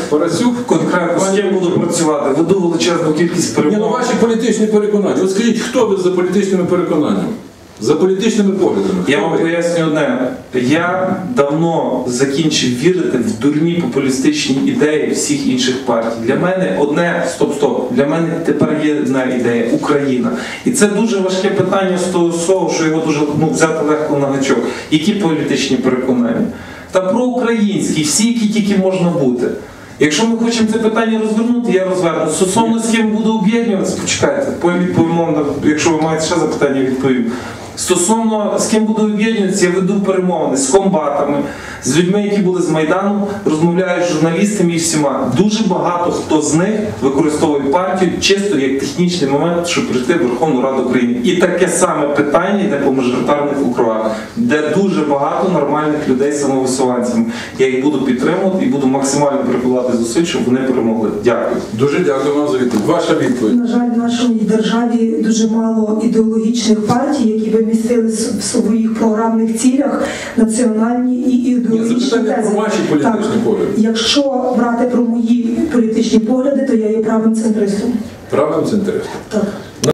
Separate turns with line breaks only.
Парасюк
конкретно з ким буду працювати. Веду величезну кількість перемов.
ваші політичні переконання. От скажіть, хто ви за політичними переконаннями? За політичними поглядами?
Я вам поясню одне. Я давно закінчив вірити в дурні популістичні ідеї всіх інших партій. Для мене одне, для мене тепер є одна ідея – Україна. І це дуже важке питання з того слова, що його дуже взяти легко на гачок. Які політичні переконання? Та проукраїнські, всі, які тільки можна бути. Якщо ми хочемо це питання розвернути, я розверну. Стосовно з ким буду об'єднуватися, почекайте, відповімо, якщо ви маєте ще запитання, відповім. Стосовно з ким буду об'єднуватися, я веду перемовини з комбатами, з людьми, які були з Майдану, розмовляю з журналістами і всіма. Дуже багато хто з них використовує партію чисто як технічний момент, щоб прийти в Верховну Раду України. І таке саме питання йде по мажоритарних округах, де дуже багато нормальних людей самовисуванцями. Я їх буду підтримувати і буду максимально прикладати зусиль, щоб вони перемогли. Дякую.
Дуже дякую вам за відповідь. Ваша відповідь.
На жаль, в нашій державі дуже мало ідеологічних партій, які би містили в своїх програмних цілях національні і ідеологічні
запитання
тези.
про ваші політичні погляди.
Якщо брати про мої політичні погляди, то я є правим центристом.
Правим центристом?
Так.